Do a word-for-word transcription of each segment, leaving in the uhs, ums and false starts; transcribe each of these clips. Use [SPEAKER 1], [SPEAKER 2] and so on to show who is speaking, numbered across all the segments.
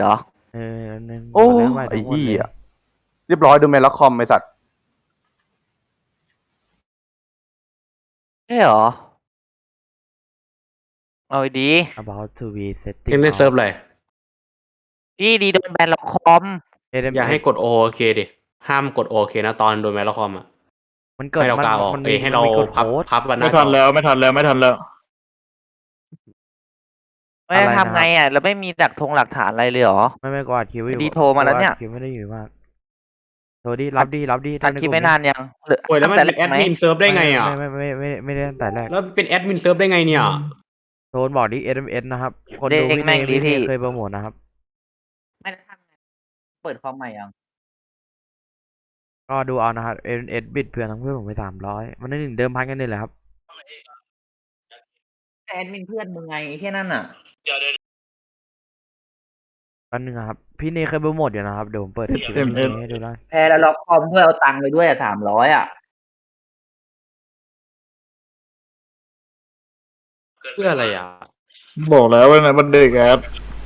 [SPEAKER 1] เหรอ
[SPEAKER 2] เออนึง
[SPEAKER 3] โอ้
[SPEAKER 2] แล้วใหม่
[SPEAKER 3] ไอ้
[SPEAKER 2] ทั้งหมด
[SPEAKER 3] เหี้
[SPEAKER 2] เลย
[SPEAKER 3] ยเรียบร้อยดูแมนล็อกคอมไอ้สัตว์
[SPEAKER 1] ใช่เหรอเอาดี
[SPEAKER 2] about to be
[SPEAKER 4] เล่
[SPEAKER 2] setting
[SPEAKER 4] นในเซิร์ฟ
[SPEAKER 2] out
[SPEAKER 4] อะไร
[SPEAKER 1] พี่ดีโดนแบนล็อกคอม
[SPEAKER 4] อย่าให้กดโอเคดิห้ามกดโอเคนะตอนโดนแมลคอมอ่ะ
[SPEAKER 2] มันเกิด
[SPEAKER 4] ให้เรา
[SPEAKER 2] มัน
[SPEAKER 4] กาวออก
[SPEAKER 2] มัน
[SPEAKER 4] เอ้
[SPEAKER 2] มี
[SPEAKER 4] ยให้
[SPEAKER 2] มัน
[SPEAKER 4] เรา
[SPEAKER 2] มีกด
[SPEAKER 4] พับ
[SPEAKER 2] โค้ด
[SPEAKER 4] พับกันหน้า
[SPEAKER 5] ไม่
[SPEAKER 4] จ
[SPEAKER 5] ทั
[SPEAKER 4] อน
[SPEAKER 5] แล้วไม่ทันแล้วไม่ทันแล้ว
[SPEAKER 1] ไม่
[SPEAKER 2] อะไร
[SPEAKER 1] ได้
[SPEAKER 2] นะครับ
[SPEAKER 1] ทำไงอ่ะแล้วไม่มีหลักทงหลักฐานอะไรเลยเหรอ
[SPEAKER 2] ไม่ไม่กอัดคิวไว้อยู่
[SPEAKER 1] ดีโทรมาแล้วเนี่ย
[SPEAKER 2] อัดคิวไม่ได้อยู่มากโทรดิรับดิรับดิ
[SPEAKER 1] อัดคลิปไม่นานยังหรือ
[SPEAKER 4] โอ้ยแล้วมัน
[SPEAKER 1] ตั้ง
[SPEAKER 4] เป็นแอ
[SPEAKER 1] ต่
[SPEAKER 4] ด
[SPEAKER 1] รกไห
[SPEAKER 4] มินเซิร์ฟได้ไงอ่ะ
[SPEAKER 2] ไม่ไม่ไม่ไม่ไม่ไม่ได้ตั้งแต่แรก
[SPEAKER 4] แล้วเป็นแอดมินเซิร์ฟได้ไงเนี่ย
[SPEAKER 2] โทรบอกดิ เอส เอ็ม เอส นะครับคน
[SPEAKER 1] เด็
[SPEAKER 2] ดู
[SPEAKER 1] ก
[SPEAKER 2] พี่
[SPEAKER 1] แม่
[SPEAKER 2] เน
[SPEAKER 1] งดี
[SPEAKER 2] พี่เน
[SPEAKER 1] พี่
[SPEAKER 2] เคยโปรโมทนะครับ
[SPEAKER 1] ไม่ได้ทำไงเปิดคอมใหม่ยัง
[SPEAKER 2] ก็ดูเอานะครับ เอส เอ็ม เอส บิดเพื่อนทั้งเพื่อนผมไปสามร้อยมันได้หนึ่งเดิมพันกันนี่แหละครับ
[SPEAKER 1] แอดมินเพื่อนมึงไงแค่นั้นอ่ะ
[SPEAKER 2] อันหนึ่งอะครับพี่เนเคยโปรโมทอยู่นะครับเดี๋ยวผมเปิดคลิป
[SPEAKER 5] เอ็ม เอส
[SPEAKER 2] ให้ดูได้
[SPEAKER 1] แพ้แล้วล็อกคอมด้วยเอาตังค์ไปด้วยอ่ะสามร้อยอ่ะ
[SPEAKER 4] เพื่ออะไรอ่ะ
[SPEAKER 5] บอกแล้วว่านะมันเด็กแอด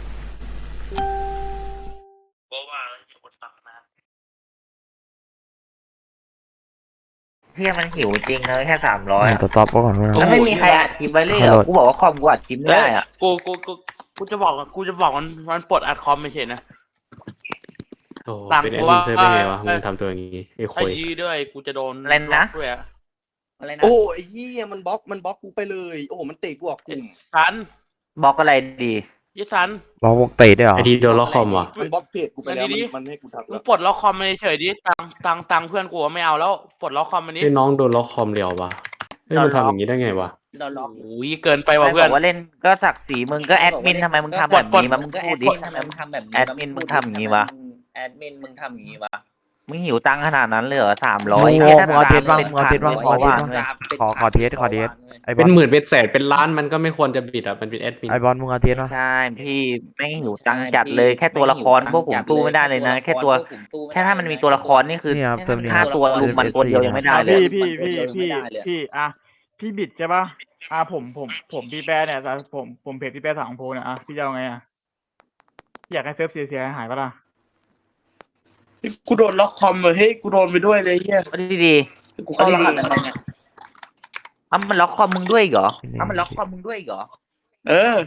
[SPEAKER 1] เที่ยมันหิวจริงนะแค่สามร้อย
[SPEAKER 2] ตรวจสอบก่อนว่า
[SPEAKER 1] แล้วไม่มีใครอัดคลิปไว้เลยเหรอกูบอกว่าคอมกูอัดคลิปไม่ได้อ่ะ
[SPEAKER 6] กูกูกูกูจะบอกกูจะบอกมันมันปลดอัดคอมไม่ใช่นะ
[SPEAKER 4] โอ้
[SPEAKER 6] ต่าง
[SPEAKER 4] เป็นแอ
[SPEAKER 6] กู
[SPEAKER 4] ดมิน
[SPEAKER 6] ว่า
[SPEAKER 4] เซิร์ฟได้ไงวะ
[SPEAKER 6] เออ
[SPEAKER 4] มึงทำตัวอย่างงี้ไอ้
[SPEAKER 6] ถ้า
[SPEAKER 4] คุย
[SPEAKER 6] ยีด้วยกูจะโดน
[SPEAKER 1] อะไรนะ
[SPEAKER 6] บล็อกด้วยอะ
[SPEAKER 1] อะไรนะ
[SPEAKER 7] โอ้ไอ้เหี้ยมันบล็อกมันบล็อกกูไปเลย โอ้โหมันเตะกูออกก
[SPEAKER 6] ไอ้
[SPEAKER 7] ลุ่ม
[SPEAKER 6] สัน
[SPEAKER 1] บล็อกอะไรดี
[SPEAKER 6] ยี่สัน
[SPEAKER 2] บอกวกเตะด้วยเหรอ
[SPEAKER 4] ไอดีโดนล็อกคอมว่ะ
[SPEAKER 7] มันบล็อกเพจกูไปแล้ว
[SPEAKER 6] มันดี
[SPEAKER 7] มันมันไม่ให้กูทัก
[SPEAKER 6] มึ
[SPEAKER 7] แล้
[SPEAKER 6] ง
[SPEAKER 7] ว
[SPEAKER 6] ปลดล็อกคอมมาเฉยๆดิตังตังตังเพื่อนกูไม่เอาแล้วปลดล็อกคอมมันนี้
[SPEAKER 4] ไอ้น้องโดนล็อกคอมเดียววะเฮ้ยมันทำอย่างงี้ได้ไงวะ
[SPEAKER 1] เราล็อก
[SPEAKER 6] โอ้ยเกินไป
[SPEAKER 1] ใคร
[SPEAKER 6] ว่ะ
[SPEAKER 1] บ
[SPEAKER 6] เพื่อ
[SPEAKER 1] อน กว่าเล่นก็สักสีมึงก็แอดมินทำไมมึงทำแบบนี้มามึงพูดดิ
[SPEAKER 8] ทำไมมึงทำแบบนี้
[SPEAKER 1] แอดมินมึงทำอย่างนี้วะ
[SPEAKER 8] แอดมินมึงทำอย่างนี้วะ
[SPEAKER 1] มึงหิวตังค์ขนาดนั้นเลยเหรอสามร้อย
[SPEAKER 2] มึงเอามึงเอาเทสบ้างมึงเอาเทสบ้าง
[SPEAKER 1] พอว่า
[SPEAKER 2] ขอขอเทสขอเทสไอบอ
[SPEAKER 4] เป็น
[SPEAKER 2] ล
[SPEAKER 4] หมื่นเป็นแสนเป็นล้านมันก็ไม่ควรจะบิดอ่ะมันเป็นแอดมิน
[SPEAKER 2] ไอบอลมึงเอาเทสป่ะ
[SPEAKER 1] ใช่พี่ไม่หิวตังค์จัดเลยแค่ตัวละครพวกผมสู้ไม่ได้เลยนะ แค่ตัวแค่ถ้ามันมีตัวละครนี่คือ
[SPEAKER 2] นี่ครับเติมนี่
[SPEAKER 1] ห้าตัวลุมมันตัวเดียวยังไม่ได้เลย
[SPEAKER 5] พี่พี่พี่พี่พี่อ่ะพี่บิดใช่ป่ะอ่ะผมผมผมพี่แปรเนี่ยแต่ผมผมเพจพี่แปรสังโพเนี่ยอ่ะพี่จะเอาไงอ่ะพี่อยากให้เซิร์ฟเสียเสียหายปะล่ะ
[SPEAKER 6] กูโดนล็อกคอมเลยเฮ้ยกูโดนไปด้วยเลยเฮีย
[SPEAKER 1] เอาดี
[SPEAKER 6] กูเข้ารหัสอะไรเนี่ย
[SPEAKER 1] ๆเอามันล็อกคอมมึงด้วยอีกเหรอ
[SPEAKER 8] ถ้ามันล็อกคอมมึงด้วยอีกเหรอ
[SPEAKER 6] เออ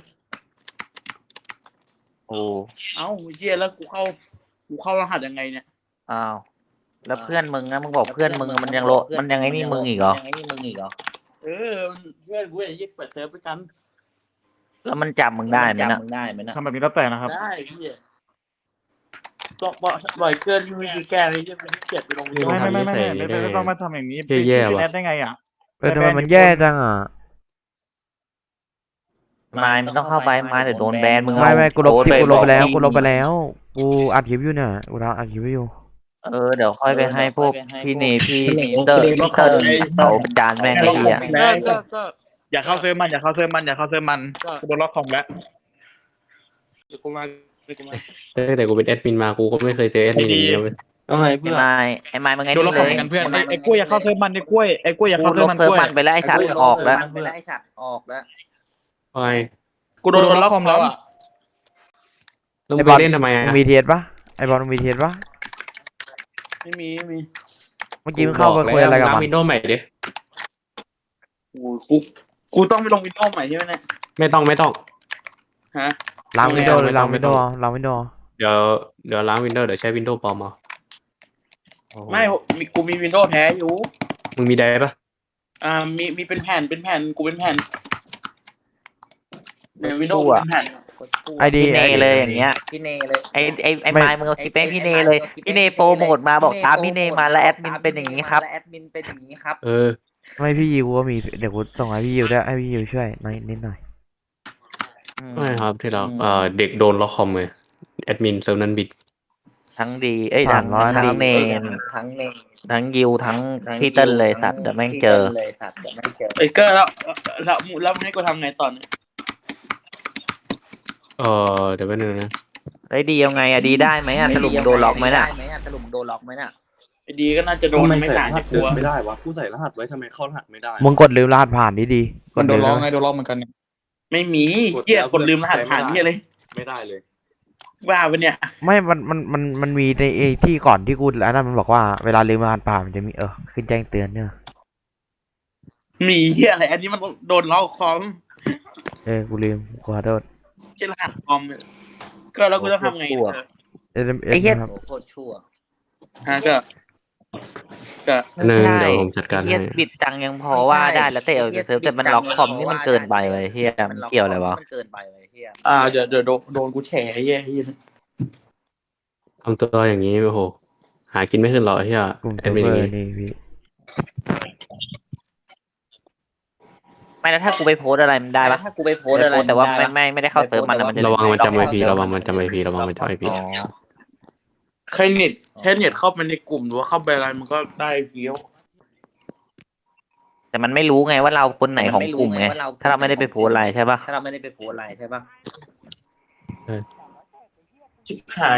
[SPEAKER 1] โอ้
[SPEAKER 6] เอ้าเฮียแล้วกูเข้ากูเข้ารหัสยังไงเนี่ย
[SPEAKER 1] อ้าวแล้วเพื่อนมึงนะมึงบอกเพื่อนมึงมันยังโลมันยังไงนี่มึงอีกเหรอ
[SPEAKER 8] ยังไงนี่มึงอีกเหรอ
[SPEAKER 6] เออมันเพื่อนกูอย่างยี่เปิดเซิร์ฟด้วยกัน
[SPEAKER 1] แล้วมันจับมึงได้ไหม
[SPEAKER 8] จำ
[SPEAKER 1] นะ
[SPEAKER 8] มึงได้ไหมนะ
[SPEAKER 5] ทำแบบนี้แล้วแต่นะครับ
[SPEAKER 6] ได้เฮียบอกบอกบ่อยเกินไม่มีแก้เลยเฮียมันเกลียดไปลงวิดีโอ
[SPEAKER 5] ไม่ไม่ไม่ไม่ไม่ไม่ไม่ต้องมาทำอย่างนี้
[SPEAKER 4] แย่ๆ
[SPEAKER 5] เป็น
[SPEAKER 4] ว่ะ
[SPEAKER 5] แอดได้ไงอ่ะ
[SPEAKER 2] เออทำไมมันแย่จังอ่ะ
[SPEAKER 1] มายมันต้องเข้าไปมายเดี๋ยวโดนแบนมึง
[SPEAKER 2] ไม่ไม่กูลบ
[SPEAKER 1] โพส
[SPEAKER 2] คลิป
[SPEAKER 1] ต์
[SPEAKER 2] กูลบไปแล้ว
[SPEAKER 1] บอก
[SPEAKER 2] กูลบไปแล้วกูอัดคลิปอยู่เนี่ยกูอัดคลิปอยู่
[SPEAKER 1] เออเดี๋ยวค่อยไปให้พวกพี่เนพี่เตอร์พี่เตอร์เขาประจานแม่งไอ้เหี้ย
[SPEAKER 6] ก็ก็ก็
[SPEAKER 5] อย่าเข้าเซิร์ฟมันอย่าเข้าเซิร์ฟมันอย่าเข้าเซิร์ฟมันกูโดนล็อกคอมแล้ว
[SPEAKER 6] เดี๋ยวกูมาเดี๋ยวกูมา
[SPEAKER 4] ตั้งแต่กูเป็นแอดมินมากูก็ไม่เคยเจอแอดมินอย่างนี้นะเว้ย
[SPEAKER 7] เอาไง
[SPEAKER 1] ไอ้
[SPEAKER 7] เพื่อน
[SPEAKER 1] มายไอ้มายมึงไง
[SPEAKER 5] โดนล็
[SPEAKER 1] นี่
[SPEAKER 5] อกค
[SPEAKER 1] เล
[SPEAKER 5] อม
[SPEAKER 1] ย
[SPEAKER 5] กันเพื่อนไอ้ไอ้กล้วยอย่าเข้าเซิร์ฟมันไอ้กล้วยไอ้กล้วยอย่า
[SPEAKER 1] กู
[SPEAKER 5] เข้า
[SPEAKER 1] ล
[SPEAKER 5] เซิร์ฟ
[SPEAKER 1] บ
[SPEAKER 5] มัน
[SPEAKER 1] เซิร์
[SPEAKER 5] ก
[SPEAKER 1] ฟ
[SPEAKER 5] ล้วย
[SPEAKER 1] มันไปแล้วไอ้สัตว์ออกแล้ว
[SPEAKER 8] มันไปแล้วไอ้สัตว์ออกแล้ว
[SPEAKER 4] ทำไม
[SPEAKER 6] กูโดนล็อกคอมแล้วอ่ะ
[SPEAKER 4] แล้วมึงไปเล่นทำไมอ่ะ
[SPEAKER 2] มึงมีเทสปะไอบอลมึงมีเทสปะ
[SPEAKER 6] ไม่มีไม่มี
[SPEAKER 2] เมื่อกี้มึงเข้าไปคุยอะไรกับ
[SPEAKER 4] ล้าง
[SPEAKER 2] มัน
[SPEAKER 4] วินโดว์ใหม่ดิ
[SPEAKER 6] กูกูกูต้องไปลงวินโดว์ใหม่ใช่ไหมเนี่ย
[SPEAKER 4] ไม่ต้องไม่ต้อง
[SPEAKER 6] ฮะ
[SPEAKER 2] ล้างวินโดว์เลย
[SPEAKER 4] ไม่ต้
[SPEAKER 2] ล้า
[SPEAKER 4] อง ง
[SPEAKER 2] วินโดว์
[SPEAKER 4] ไม่ต้อง
[SPEAKER 2] ล้างวินโดว์
[SPEAKER 4] เดี๋ยวเดี๋ยวล้างวินโดว์เดี๋ยวใช้วินโดว์ปลอมเอาโอ้โห
[SPEAKER 6] ไม่มีกูมีวินโดว์แท้อยู่
[SPEAKER 4] มึงมีไดร์ปะ
[SPEAKER 6] อ่ามีมีเป็นแผ่นเป็นแผ่นกูเป็นแผ่นในวินโดว์เป็นแผ่น
[SPEAKER 2] ไอดี
[SPEAKER 1] พี่เนเลยอย่างเงี้ย
[SPEAKER 8] พี่เนเลย
[SPEAKER 1] ไอ้ไอ้ไอ้มายมึงเอาคลิปให้พี่เนเลยพี่เนโปรโมทมาบอกตามพี่เนมาแล้วแอดมินเป็นอย่างนี้ครับ
[SPEAKER 8] และแอดมินเป็นอย่างนี้ครับ
[SPEAKER 4] เออ
[SPEAKER 2] ไม่พี่ยิวก็มีเดี๋ยวกูส่งให้พี่ยิวได้ให้พี่ยิวช่วยหน่อยนิดหน่อย
[SPEAKER 4] ไม่ครับที่เราเอ่อเด็กโดนล็อกคอมเลยแอดมินเซิร์ฟนั้นบิด
[SPEAKER 1] ทั้งดีเอ้ยทั้ง
[SPEAKER 2] สามร้อย
[SPEAKER 1] ทั้งเนน
[SPEAKER 8] ทั้งเนน
[SPEAKER 1] ทั้งยิวทั้งพี่เติ้ลเลยสัตว์เดี๋ยวแม่งเจอ
[SPEAKER 8] เลยสัตว์เดี๋ยวแม่งเจอ
[SPEAKER 6] เอ้ยก็แล้วแล้วแล้วมึงให้กูทำไงตอนนี้
[SPEAKER 4] เออเดี๋ยวแป๊บนึงนะ
[SPEAKER 1] ไอ้ดียังไงอะดีได้ไหมอะสรุปโดนล็อกไหมน่ะ
[SPEAKER 8] ด้ไหมอะสรุปโดนล็อกไหมน่ะ
[SPEAKER 6] ไอ้ดีก็น่าจะโดน
[SPEAKER 7] ทำไม
[SPEAKER 6] ไม่
[SPEAKER 7] ใส่
[SPEAKER 6] ต่าง
[SPEAKER 7] รหั
[SPEAKER 6] จาก
[SPEAKER 7] ส
[SPEAKER 6] กู
[SPEAKER 7] เดิน
[SPEAKER 6] อะ
[SPEAKER 7] ไม่ได้วะกูใส่รหัสไว้ทำไมเข้ารหัสไม่ได้
[SPEAKER 2] มึงกดลืมรหัสผ่านดีดีๆก
[SPEAKER 5] มัน
[SPEAKER 2] ด
[SPEAKER 5] โด
[SPEAKER 2] ลื
[SPEAKER 5] น
[SPEAKER 2] ม
[SPEAKER 5] ล็อก
[SPEAKER 2] นะ
[SPEAKER 5] ไงโดนล็อกเหมือนกันเนี่ย
[SPEAKER 6] ไม่มีเหี้ยกดลืมรหัสผ่านเหี้ยเลย
[SPEAKER 7] ไม่ได้เลย
[SPEAKER 6] ว่าไปเนี่ย
[SPEAKER 2] ไม่มันมันมันมันมีในไอ้ที่ก่อนที่กูแล้วนั่นมันบอกว่าเวลาลืมรหัสผ่านมันจะมีเออขึ้นแจ้งเตือนเนี่ย
[SPEAKER 6] มีเหี้ยอะไร อันนี้มันโดนล็อกคอม
[SPEAKER 2] เออกูลืมขอโทษ
[SPEAKER 6] แค่รหัสคอมเนี่ยก็แล้วกูต้องทำไงเนี่ย
[SPEAKER 2] เอ็มเอ
[SPEAKER 1] ไอ้
[SPEAKER 2] ส
[SPEAKER 1] เหี้ย
[SPEAKER 2] นะครับ
[SPEAKER 8] โอ้โคตรชั่ว
[SPEAKER 6] ฮะก็ก็
[SPEAKER 4] หนึ่ง
[SPEAKER 1] ใช่
[SPEAKER 4] เดี๋ยวผมจัดการ
[SPEAKER 1] เฮีย
[SPEAKER 4] ให้
[SPEAKER 1] บิดจังยังพอว่าได้แล้วแต่เออเซิร์ฟแต่มันล็อกคอมนี่มันเกินไปเลยเฮียมันเกี่ยวอะไรวะ
[SPEAKER 8] มันเกินไปเลยเฮีย
[SPEAKER 6] อ่าเดี๋ยวเดี๋ยวโดนโดนกูแฉไอ้เหี้ยไอ้เหี้ย
[SPEAKER 4] ทำตัวอย่างนี้โอ้โหหากินไม่ขึ้นหรอกไอ้เฮีย
[SPEAKER 2] กลุ่ม
[SPEAKER 4] แอ
[SPEAKER 2] เซิ
[SPEAKER 4] ด
[SPEAKER 2] ร์ฟ
[SPEAKER 4] มิน
[SPEAKER 2] เว
[SPEAKER 4] อ
[SPEAKER 2] อย่าง ร์
[SPEAKER 4] นี้
[SPEAKER 2] นี่พี่
[SPEAKER 1] ไม่แล้วถ้ากูไปโพสต์อะไรมันได้ปะ
[SPEAKER 8] ถ้ากูไปโพสต์อะไร
[SPEAKER 1] แต่ว่าไม่ไม่ไม่ได้เข้าเซิร์ฟมันนะมันจะ
[SPEAKER 4] ระวังมันจำไอ
[SPEAKER 1] ล็อก
[SPEAKER 4] พีระวังมันจำไอพีระวังมันจำไอพี
[SPEAKER 1] อ๋อ
[SPEAKER 6] แค่เน็ตแค่เน็ตเข้าไปในกลุ่มหรือว่าเข้าไปอะไรมันก็ได้เพี้ยว
[SPEAKER 1] แต่มันไม่รู้ไงว่าเราคนไหนของกลุ่มไงถ้าเราไม่ได้ไปโพสต์อะไรใช่ปะ
[SPEAKER 8] ถ้าเราไม่ได้ไปโพสต์อะไรใช่ปะ
[SPEAKER 6] ชิบหาย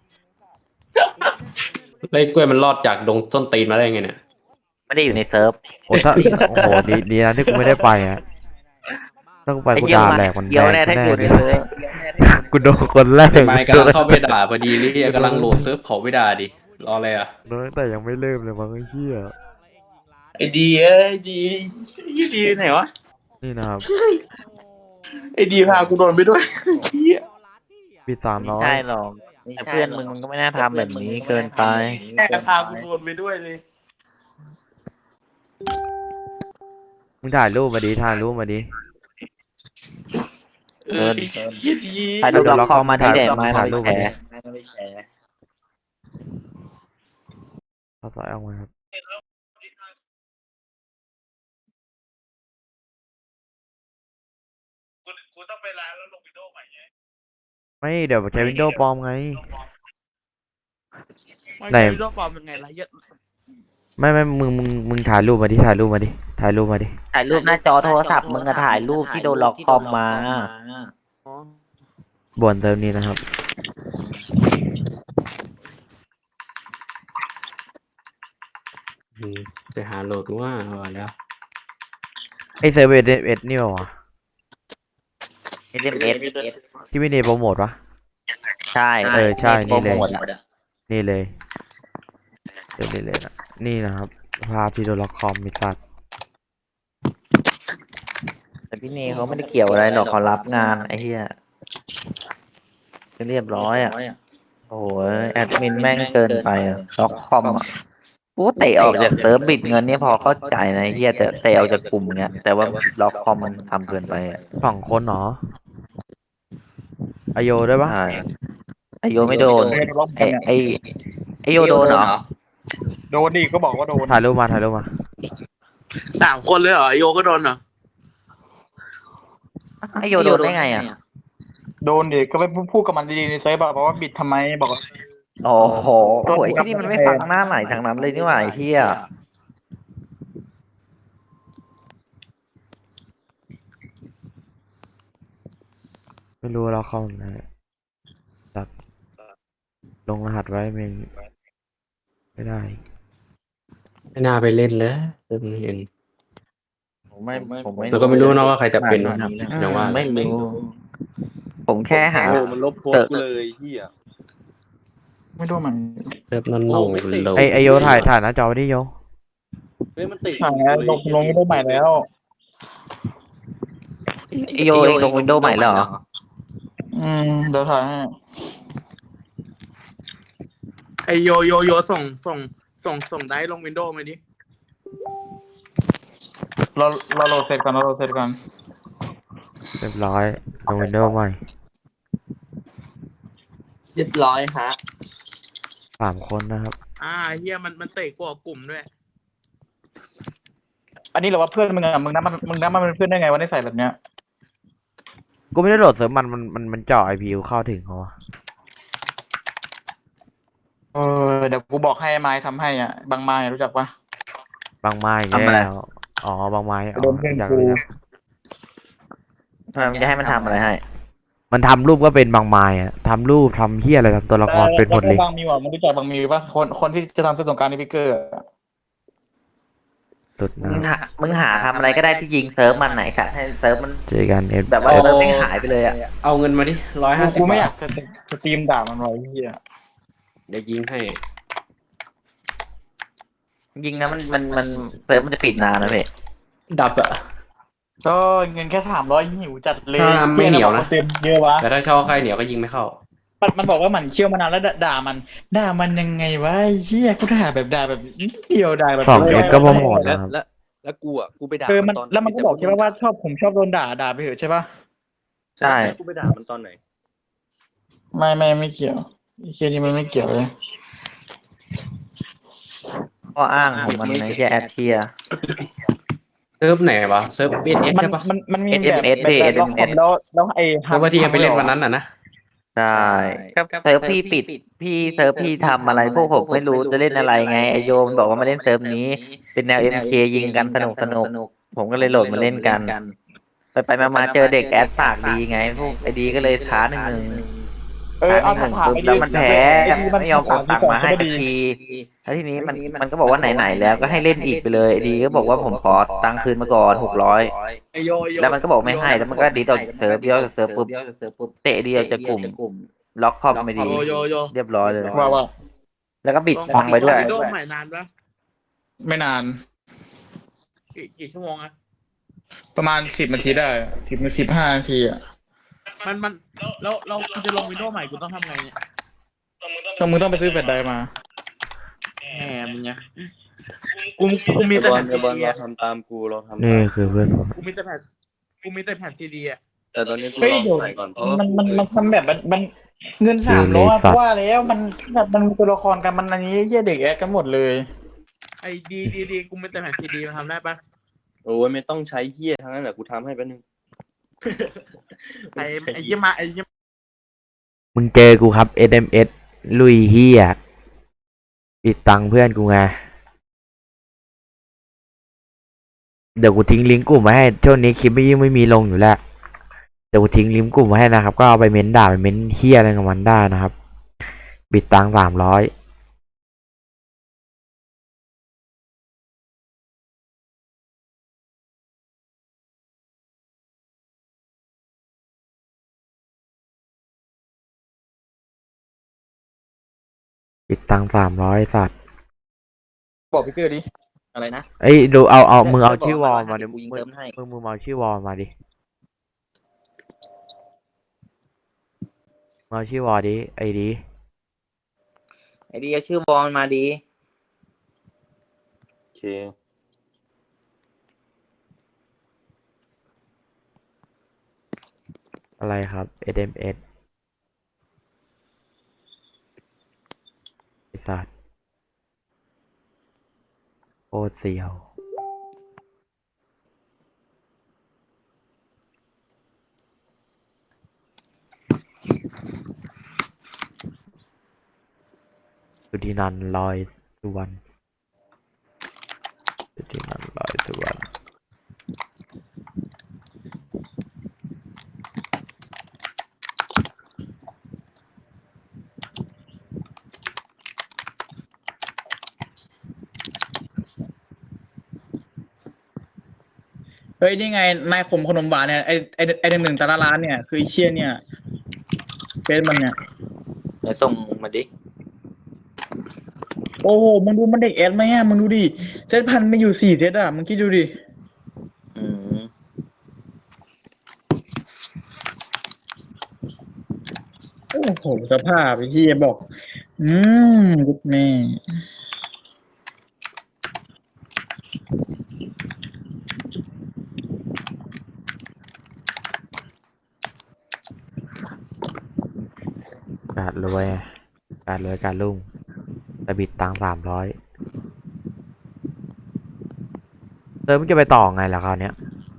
[SPEAKER 4] แล้วไอ้กล้วยมันรอดจากดงต้นตีนมาได้ไงเนี่ย
[SPEAKER 1] ไม่ได้อยู่ในเซิร์ฟ
[SPEAKER 2] โอ้ถ้าโอ้โหดีดีนะที่กูไม่ได้ไปอ่ะถ้ากูไป
[SPEAKER 1] ไอ้
[SPEAKER 2] กู
[SPEAKER 1] เหี้ย
[SPEAKER 2] ด่า
[SPEAKER 1] มัน
[SPEAKER 2] แหลกมัน
[SPEAKER 1] เกี่ยว
[SPEAKER 2] แด
[SPEAKER 1] แน่
[SPEAKER 2] ง
[SPEAKER 1] ถ้า
[SPEAKER 2] แน่
[SPEAKER 1] อยู่ใน
[SPEAKER 2] เลย
[SPEAKER 1] เซิร์ฟ
[SPEAKER 2] กูโดนคนแรก
[SPEAKER 4] ไม่กำลังเข้าไปด่าพอดีเลยกำลังโหลดเซิร์ฟเขาไม่ด่าดิรออะไรอ่ะ
[SPEAKER 2] โดนตั้งแต่ยังไม่เริ่มเลยมั้งไอ้เหี้ย
[SPEAKER 6] ไอ้ดีเอ้ยไอ้ดีไอ้ดีไปไหนวะ
[SPEAKER 2] นี่นะครับ
[SPEAKER 6] ไอ้ดีพากูโดนไปด้วยเหี้ย
[SPEAKER 2] ปีสาม
[SPEAKER 1] ไม่
[SPEAKER 2] ร้อย
[SPEAKER 1] ใช่หรอกแต่เพื่อนมึงมันก็ไม่น่าทำแบบนี้เกินไป
[SPEAKER 6] แม่พากูโดนไปด้วยเลย
[SPEAKER 2] มึงถ่ายรูปมาดิถ่ายรูปมาดิ
[SPEAKER 6] เออเหี้ยดี
[SPEAKER 1] ถ่ายรูปล็อกคอมมาที่แดงมา
[SPEAKER 2] ถ่ายรูป
[SPEAKER 1] แผ
[SPEAKER 2] มา
[SPEAKER 1] ล
[SPEAKER 2] ดิ
[SPEAKER 8] ไม่แชร์
[SPEAKER 2] เอาสายออกมาครับ
[SPEAKER 6] กูต้องไปร้านแล้วลงวิดีโอใหม่ไง
[SPEAKER 2] ไม่เดี๋ยวใช้วินโดว์ปลอมไง
[SPEAKER 6] ไม่
[SPEAKER 2] ไหน
[SPEAKER 6] ใช่วิดีโอปลอมยังไงล่ะเหี้ย
[SPEAKER 2] ไม่ไม่มึงมึงมึงถ่ายรูปมาดิถ่ายรูปมาดิถ่ายรูปมาดิ
[SPEAKER 1] ถ่ายรูปหน้าจอโทรศัพท์มึงอะถ่ายรูปที่โดนล็อกคอมมา
[SPEAKER 6] อ๋อ
[SPEAKER 2] บ่นเติมนี้นะครับ
[SPEAKER 4] อืมไปหาโหลดว่าว่าแล้ว
[SPEAKER 2] ไอเซอร์เวเอเอสนี่ป่าวะ
[SPEAKER 1] เอ็มเอส
[SPEAKER 2] ที่ไม่ได้โปรโมทวะ
[SPEAKER 1] ใช่
[SPEAKER 2] เออใช่นี่เลย
[SPEAKER 1] โปรโมทอะ
[SPEAKER 2] นี่เลยเดี๋ยวนี้เลยนะนี่นะครับภาพที่โดนล็อกคอมมีสัตว์
[SPEAKER 1] แต่พี่เนยเขาไม่ได้เกี่ยวอะไรหรอกเขารับงานไอ้เหี้ยก็เรียบร้อยอ่ะโอ้โหแอดมินแม่งเกินไปอะล็อกคอมอ่ะกูเตะออกจากเซิร์ฟบิดเงินเนี่ยพอเข้าใจนะไอ้เหี้ยแต่เตะออกจากกลุ่มเนี้ยแต่ว่าล็อกคอมมันทำเกินไปอ่ะ
[SPEAKER 2] สองคนเหรออโยด้วยปะ
[SPEAKER 1] ใช่ไอโยไม่โดนไอไอไอโยโดนเหรอ
[SPEAKER 5] โดนดิก็บอกว่าโดน
[SPEAKER 2] ถ่ายรูปมาถ่ายรูปมา
[SPEAKER 6] สามคนเลยเหรอไอโยก็โดนเหรอ
[SPEAKER 1] ไอโยโดนได้ไงอ่ะ
[SPEAKER 5] โดนดิก็ไปพูดกับมันดีๆในเซิร์ฟอะบอกว่าบิดทำไมบอกว่า
[SPEAKER 1] โอ้โหโอ้ยที่นี่มันไม่ฟังหน้าไหนทางนั้นเลยนี่หว่าไอ้เหี้ย
[SPEAKER 2] ไม่รู้ว่าล็อกคอมนะตัดลงรหัสไว้ไม่ไม่ได้
[SPEAKER 4] ไม่น่าไปเล่นเลยเริ่มเห็น
[SPEAKER 1] ผมไม่ผมไม่
[SPEAKER 4] แล้วก็ไม่รู้นะว่าใครจะเป็น
[SPEAKER 1] อืม
[SPEAKER 4] อย่างว่า
[SPEAKER 1] ไม่รู้ผมแค่หา
[SPEAKER 7] โอ้มันลบโพสต์กูเลยเฮีย
[SPEAKER 5] ไม่รู้มัน
[SPEAKER 4] เริ่มนั่น
[SPEAKER 7] โอ้
[SPEAKER 4] ลง
[SPEAKER 7] ไม่ติด
[SPEAKER 4] โหลด
[SPEAKER 2] ไอไอโยถ่ายถ่ายหน้าจอไว้ดิโย
[SPEAKER 7] เฮ้ยมันติด
[SPEAKER 5] ถ่ายแล้วลงลงไม่ได้ใหม่แล้ว
[SPEAKER 1] ไอโยเองลงวินโดว์ใหม่แล้วเหรอ
[SPEAKER 5] อืมเดี๋ยวถ่ายให้
[SPEAKER 6] ไอโยโยโยส่งส่งส่งส่งได้ลงวินโดว์มาดิ
[SPEAKER 5] เราเราโหลดเสร็จก่อนเราโหลดเสร็จก่อน
[SPEAKER 2] เรียบร้อยลงวินโดว์ใหม่
[SPEAKER 7] เรียบร้อยฮะ
[SPEAKER 2] สามคนนะครับ
[SPEAKER 6] อ่าเฮียมันมันเตะกูออกกลุ่มด้วย
[SPEAKER 5] อันนี้เราว่าเพื่อนมึงอะมึงนับมันมึงนับมันเป็นเพื่อนได้ไงวะได้ใส่แบบเนี้ย
[SPEAKER 2] กูไม่ได้โหลดเสริมมันมันมันมันเจาะไอพีเข้าถึงเขาอะ
[SPEAKER 5] เออเดี๋ยวกูบอกให้ไม้ทำให้อ่ะบางไม้รู้จักปะ
[SPEAKER 2] บางไม้
[SPEAKER 1] ทำอะไร
[SPEAKER 2] แล้วอ๋อบางไม้อ๋อ
[SPEAKER 5] โดนเพื่อน
[SPEAKER 2] รู้จัก
[SPEAKER 5] กู
[SPEAKER 2] รู้จัก
[SPEAKER 1] ทำไมมันจะให้มันทำอะไรให้
[SPEAKER 2] มันทำรูปก็เป็นบางไม้อะทำรูปทำเฮียอะไรทำตัวละครเป็นหมดเลย
[SPEAKER 5] แล้วก็บางมิวอ่ะมึงรู้จักบางมิวปะคนคนที่จะทำเสื้อสงกรารในพิกเกอร์อะ
[SPEAKER 2] สุดนะ
[SPEAKER 1] มึงหามึงหาทำอะไรก็ได้ที่ยิงเซิร์ฟมันไหนสัตว์ให้เซิร์ฟมัน
[SPEAKER 2] เจอกันเอฟ
[SPEAKER 1] แบบว่า
[SPEAKER 2] เอฟ
[SPEAKER 1] เซิร์ฟไม่หายไปเลยอ่ะ
[SPEAKER 4] เอาเงินมาดิร้อยห้าสิบ
[SPEAKER 5] กูไม่อบ
[SPEAKER 4] า
[SPEAKER 5] ยา
[SPEAKER 4] ท
[SPEAKER 5] กจะสตรีมด่ามันไว้เฮีย
[SPEAKER 4] เดี๋ยวยิงให้
[SPEAKER 1] ยิงนะมันมันมันเซิร์ฟมันจะปิดนานนะเพ่
[SPEAKER 4] ดับอะ
[SPEAKER 5] ก็เงินแค่สามร้อยหิวจัดเลย
[SPEAKER 4] ถ้าไม่เหนียวนะ
[SPEAKER 5] เต็มเยอะวะ
[SPEAKER 4] แต่ถ้าเช่าค่ายเหนียวก็ยิงไม่เข้า
[SPEAKER 5] มันมันบอกว่ามันเชี่ยวมานานแล้วด่าด่ามันด่ามันยังไงวะไอ้เฮียกูด่าแบบด่าแบบนิดเดียวด่าแบบ
[SPEAKER 2] สองเอฟก็พอหมด
[SPEAKER 7] แล้
[SPEAKER 2] นะ
[SPEAKER 7] ว
[SPEAKER 2] ครับ
[SPEAKER 7] แล้วแล้วกูอ่ะกูไปด่า
[SPEAKER 5] เออมัน
[SPEAKER 7] ตอน
[SPEAKER 5] แล้วมันก็บอกใช่ปะว่าชอบผมชอบโดนด่าด่าไปเถอะใช่ปะ
[SPEAKER 7] ใช่แล้วกูไปด่ามันตอนไหน
[SPEAKER 5] ไม่ไม่ไม่เกี่ยวไอ้เฮียนี่มันไม่เกี่ยวเลย
[SPEAKER 1] ข้ออ้างของมันในแค่แอดเทีย
[SPEAKER 4] เซิร์ฟไหนวะเซิร์ฟเอสเอส
[SPEAKER 5] มัน
[SPEAKER 4] ใช่ปะ
[SPEAKER 5] มันมันมี
[SPEAKER 1] เอส
[SPEAKER 5] แบบ
[SPEAKER 1] เอส
[SPEAKER 5] แบบ
[SPEAKER 1] ดิ
[SPEAKER 5] แบบล็อก
[SPEAKER 1] เอส
[SPEAKER 5] ผมแล้วแล้วไอ้
[SPEAKER 4] เซิร์ฟว่าที่ยังไปเล่นวันนั้นอ่ะนะ
[SPEAKER 1] ใช่ก็เซิร์ฟพี่ปิดพี่เซิร์ฟพี่ทำอะไรพวกผมไม่รู้จะเล่นอะไรไงไอโยมบอกว่ามาเล่นเซิร์ฟนี้ เป็นแนวเอ็มเคยิงกันสนุกสนุกผมก็เลยโหลดมาเล่นกัน ไปไปมามาเจอเด็กแอดปากดีไงพวกไอดีก็เลยท้าหนึ่งหนึ่ง
[SPEAKER 5] เออเอา
[SPEAKER 1] ท้าหนึ่ง
[SPEAKER 5] ถาม
[SPEAKER 1] ปุ๊บ
[SPEAKER 5] ไอ้
[SPEAKER 1] แล้วมันแพ้
[SPEAKER 5] ไอ้ดี
[SPEAKER 1] ไม่ยอมโอนตังค์มาให้สักทีแล้วทีนี้มันมันก็บอกว่าไหนๆแล้วก็ให้เล่นอีกไปเลยไอดีก็บอกว่าผมขอตังค์คืนมาก่อนหกร้อย
[SPEAKER 7] ไอโยไอโย
[SPEAKER 1] แล้วมันก็บอกไม่ให้แล้วมันก็ดีต่อเซิร์ฟเดียวจากเซิร์ฟปุ๊บเตะเดียวจากกลุ่มล็อกคอมไม่ดี
[SPEAKER 7] โยโยโย
[SPEAKER 1] เรียบร้อยเลย
[SPEAKER 5] ว่าว่า
[SPEAKER 1] แล้วก็บิดตังค์ไปด้วย
[SPEAKER 6] โดนใหม่นานปะ
[SPEAKER 5] ไม่นาน
[SPEAKER 6] กี่กี่ชั่วโมงอะ
[SPEAKER 5] ประมาณสิบนาทีได้สิบนาทีห้านาทีอ่ะ
[SPEAKER 6] มันมันแล้วเรากูจะลงวินโดว์ใหม่กูต้องทำไงเนี่ย
[SPEAKER 5] ต้องมึงต้องไปซื้อแฟลชไดรฟ์มา
[SPEAKER 6] แหมมึงไงกูกูมีแต่
[SPEAKER 7] บอ
[SPEAKER 6] แผ่
[SPEAKER 7] ล
[SPEAKER 6] นซี
[SPEAKER 7] บอล
[SPEAKER 6] ดี
[SPEAKER 7] เรา
[SPEAKER 6] อะ
[SPEAKER 7] ทำตามกูเราทำ
[SPEAKER 2] นี่
[SPEAKER 7] ตาม
[SPEAKER 2] คือเพื่อนผม
[SPEAKER 6] กูมีแต่แผ่นกูมีแต่แผ่นซีดีอะ
[SPEAKER 7] แต่ตอนนี้กู
[SPEAKER 5] เฮ้ย
[SPEAKER 7] ลอง
[SPEAKER 5] เดี๋ยว
[SPEAKER 7] ใส่ก่อนเพราะ
[SPEAKER 5] มันมันมันทำแบบมันมันเงินสามร้อยเพราะว่าแล้วมันแบบมันมีตัวละครกันมันอันนี้เหี้ยเด็กแอดกันหมดเลย
[SPEAKER 6] ไอ้ดีดีดีกูมีแต่แผ่นซีดีมันทำได้ปะ
[SPEAKER 7] โอ้ยไม่ต้องใช้เฮียทั้งนั้นแหละกูทำให้แป๊บนึง
[SPEAKER 6] ไอ้ไอ้ยี่มาไอ้ยี่
[SPEAKER 2] มึงเจอกูครับ เอส เอ็ม เอส ลุยเฮียปิดตังค์เพื่อนกูไง เดี๋ยวกูทิ้งลิงก์กลุ่มไว้ให้ช่วงนี้คลิปไม่ยิ่งไม่มีลงอยู่แล้ว เดี๋ยวกูทิ้งลิงก์กลุ่มไว้ให้นะครับ ก็เอาไปเม้นด่าไปเม้นเฮียอะไรกับมันได้นะครับ บิดตังค์สามร้อยบิดตังค์สามร้อยสัตว์
[SPEAKER 5] บอกพี่เกอร์ดิ
[SPEAKER 8] อะไรนะ
[SPEAKER 2] เอ้ยดูเอาเอามึงเอา
[SPEAKER 8] ได้
[SPEAKER 2] ชื่อวอล
[SPEAKER 8] บอก
[SPEAKER 2] มา
[SPEAKER 8] ว่า
[SPEAKER 2] ดิ
[SPEAKER 8] กูยิง
[SPEAKER 2] มึ
[SPEAKER 8] เซิ
[SPEAKER 2] ง
[SPEAKER 8] ร์ฟให้
[SPEAKER 2] มึงมึงเอาชื่อวอลมาดิมึงเอาชื่อวอลดิไอ้ดิ
[SPEAKER 8] ไอเดียชื่อบอลมาดี
[SPEAKER 7] โอเค
[SPEAKER 2] อะไรครับ เอส เอ็ม เอส ไอ้สัตว์โคตรเสียวสุธินันท์ลอยสุวรรณสุธินันท์ลอยสุวรรณ
[SPEAKER 5] เฮ้ยนี่ไงนายขมขนมหวานเนี่ยไอไอไอหนึ่งหนึ่งแต่ละร้านเนี่ยคือไอ้เชี่ยเนี่ยเป็นมันเนี่ย
[SPEAKER 8] เดี๋ยวส่งมาดิ
[SPEAKER 5] โอ้โหมึงดูมันเด็กแอดไหมอ่ะมึงดูดิเซตพันไม่อยู่สี่เซตอ่ะมึงคิดดูดิ
[SPEAKER 8] อืม
[SPEAKER 5] โอ้โหสภาพไอ้ที่บอก อืมกุดแม่
[SPEAKER 2] การรวยการรวยการรุ่งแต่บิดตังสามร้อยเติมมันจะไปต่อไงล่ะคราวเนี้ย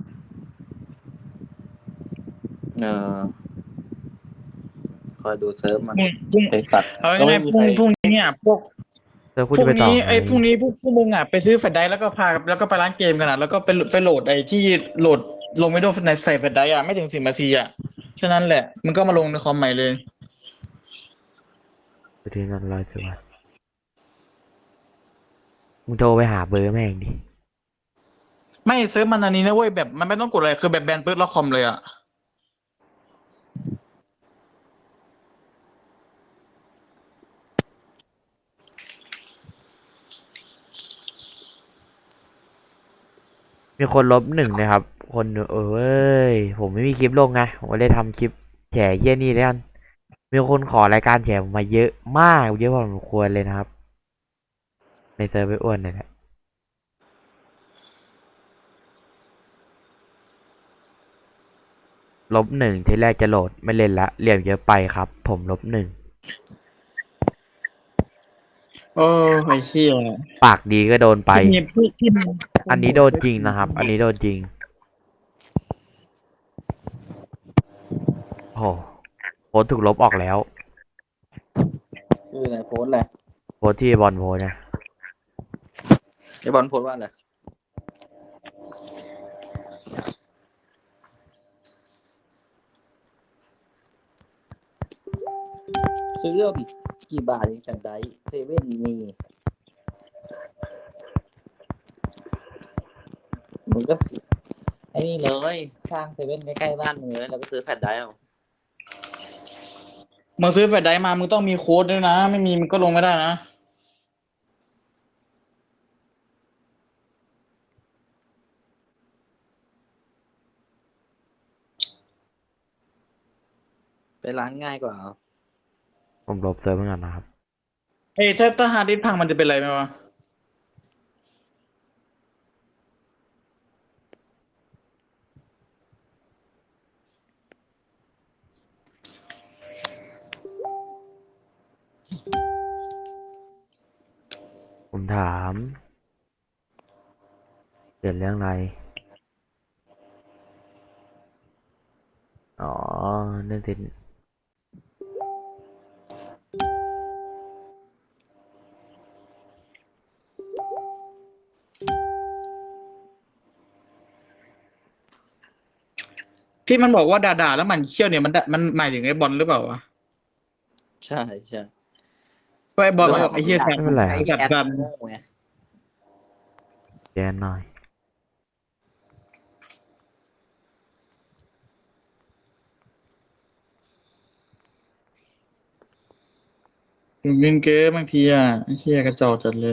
[SPEAKER 8] เออคอยดูเซิร์ฟมัน
[SPEAKER 5] พรุ่งพรุ่ง
[SPEAKER 8] ไอ้สัตว์
[SPEAKER 5] เอาง่ายๆพรุ่งพรุ่งนี้เนี่ยพวก
[SPEAKER 2] เติม
[SPEAKER 5] พ
[SPEAKER 2] กู
[SPEAKER 5] รุ่
[SPEAKER 2] จะ
[SPEAKER 5] ง
[SPEAKER 2] ไปต่อ
[SPEAKER 5] นี้
[SPEAKER 2] ไง
[SPEAKER 5] ไอ้ยพรุ่งนี้พวกพวกมึงอ่ะไปซื้อแฟลชไดรฟ์แล้วก็พาแล้วก็ไปร้านเกมกันอ่ะแล้วก็ไปไปโหลดไอ้ที่โหลดลงไม่ได้ในใส่แฟลชไดรฟ์อ่ะไม่ถึงสิบนาทีอ่ะฉะนั้นแหละมันก็มาลงในคอมใหม่เลย
[SPEAKER 2] สุธินันท์ลอยสุวรรณมึงโทรไปหาเบอร์แม่งดิ
[SPEAKER 5] ไม่เซิร์ฟมันอันนี้นะเว้ยแบบมันไม่ต้องกดอะไรคือแบบแบนปึ๊บแล้วคอมเลยอ่ะ
[SPEAKER 2] มีคนลบหนึ่งนะครับ คนเอ้ยผมไม่มีคลิปลงไงผมก็เลยทำคลิปแฉเยี่ยนี่แล้วกันมีคนขอรายการแฉผมมาเยอะมากเยอะพอสมควรเลยนะครับ ในเซิร์ฟไปอ้วนเนี่ยแหละลบหนึ่งทีแรกจะโหลดไม่เล่นละเหลี่ยมเยอะไปครับ ผมลบหนึ่ง
[SPEAKER 5] โอ้ไอ้เหี้ย
[SPEAKER 2] ปากดีก็โดนไป
[SPEAKER 5] พี่พี่พี่
[SPEAKER 2] อันนี้โดนจริงนะครับ อันนี้โดนจริงโอ้โหโพสต์ถูกลบออกแล้ว
[SPEAKER 8] ชื่ออะไรโพสต์อะไร
[SPEAKER 2] โพสต์ที่บอลโพสต์นะ
[SPEAKER 8] ไอบอลโพสต์ว่าอะไรซื้อเรื่องกี่บาทเองจังไดเซเว่นมีมึงก็ไอ้นี่เลยสร้างเซเว่นใกล้ๆบ้านมึงเลยแล้วก็ซื้อแฟลชไดรฟ์เอา
[SPEAKER 5] มึงซื้อแฟลชไดรฟ์มามึงต้องมีโค้ดด้วยนะ ไม่มีมึงก็ลงไม่ได้นะ
[SPEAKER 8] ไปร้านง่ายกว่า
[SPEAKER 2] ผมลบเซิร์ฟเหมือนกันนะครับ
[SPEAKER 5] เอ้ยถ้าถ้าฮาร์ดดิสก์พังมันจะเป็นไรไหมวะ
[SPEAKER 2] ผมถามเกิดเรื่องอะไร อ๋อเรื่องติด
[SPEAKER 5] ที่มันบอกว่าด่าๆแล้วมันเขี้ยวเนี่ยมันด่ามันหมายถึงไอ้บอลหรือเปล่าวะ
[SPEAKER 8] ใช่ใช่
[SPEAKER 5] ก็ไอ้บอลมันบอกไอ้เหี้ยแสบ
[SPEAKER 2] ไม่เป็นไร
[SPEAKER 8] ไอ
[SPEAKER 5] แสบ
[SPEAKER 8] แอป
[SPEAKER 5] กัน
[SPEAKER 8] โง่ไง
[SPEAKER 2] แกนหน่อย
[SPEAKER 5] ถึงเล่นเกมบางทีอ่ะไอ้เหี้ยกระจอกจัดเลย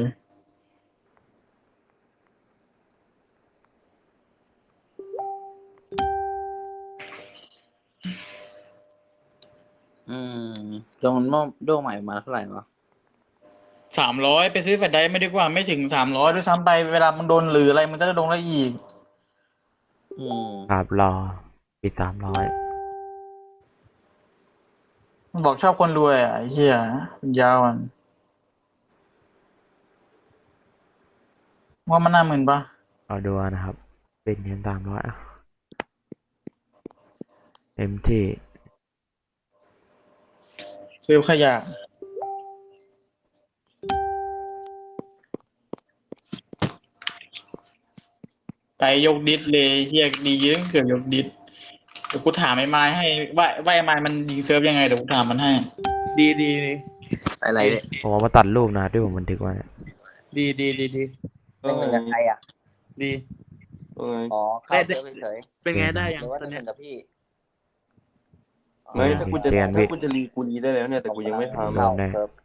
[SPEAKER 8] อืมตรงโน้โดใหม่มาเท่าไหร่วะ
[SPEAKER 5] สามร้อยไปซื้อแฟลชไดรฟ์ไม่ดีกว่าไม่ถึงสามร้อยด้วยซ้ำไปเวลามึงโดนหรืออะไรมึงจะได้ลงได้อีก
[SPEAKER 8] อืม
[SPEAKER 2] ครับรอปิดสามร้อย
[SPEAKER 5] มันบอกชอบคนรวยอ่ะไอ้เหี้ยมันยาวอ่ะว่ามันน่าหมื่นปะ
[SPEAKER 2] เอาดูนะครับ เป็นเงินสามร้อยเต็มที่
[SPEAKER 5] ซื้อขยะไปยกดิสเลยเฮียดีเยอะเกือบยกดิสเดี๋ยวกูถามไอ้ไม้ให้ว่าว่าไอ้ไม้มันยิงเซิร์ฟยังไงเดี๋ยวกูถามมันให้
[SPEAKER 6] ดีดีดี
[SPEAKER 8] อะไรเนี่ย
[SPEAKER 2] ผมเอามาตัดรูปนะที่ผมบันทึกไว้เนี่ย
[SPEAKER 6] ดีดีดีดี
[SPEAKER 8] เล่นกับใครอ่ะ
[SPEAKER 6] ดี
[SPEAKER 8] อ๋อเข้าเซิร์ฟเฉย
[SPEAKER 6] เป็นไงได้
[SPEAKER 8] ๆ
[SPEAKER 6] ยั
[SPEAKER 8] ห
[SPEAKER 6] ง
[SPEAKER 8] รือว่า
[SPEAKER 6] ตอน
[SPEAKER 8] จะ
[SPEAKER 6] เนี้
[SPEAKER 8] เล่
[SPEAKER 6] ย
[SPEAKER 8] นกับพี่
[SPEAKER 2] ไม่ถ้ากูจะถ้ากูจะ
[SPEAKER 8] เข้าเซิร์ฟ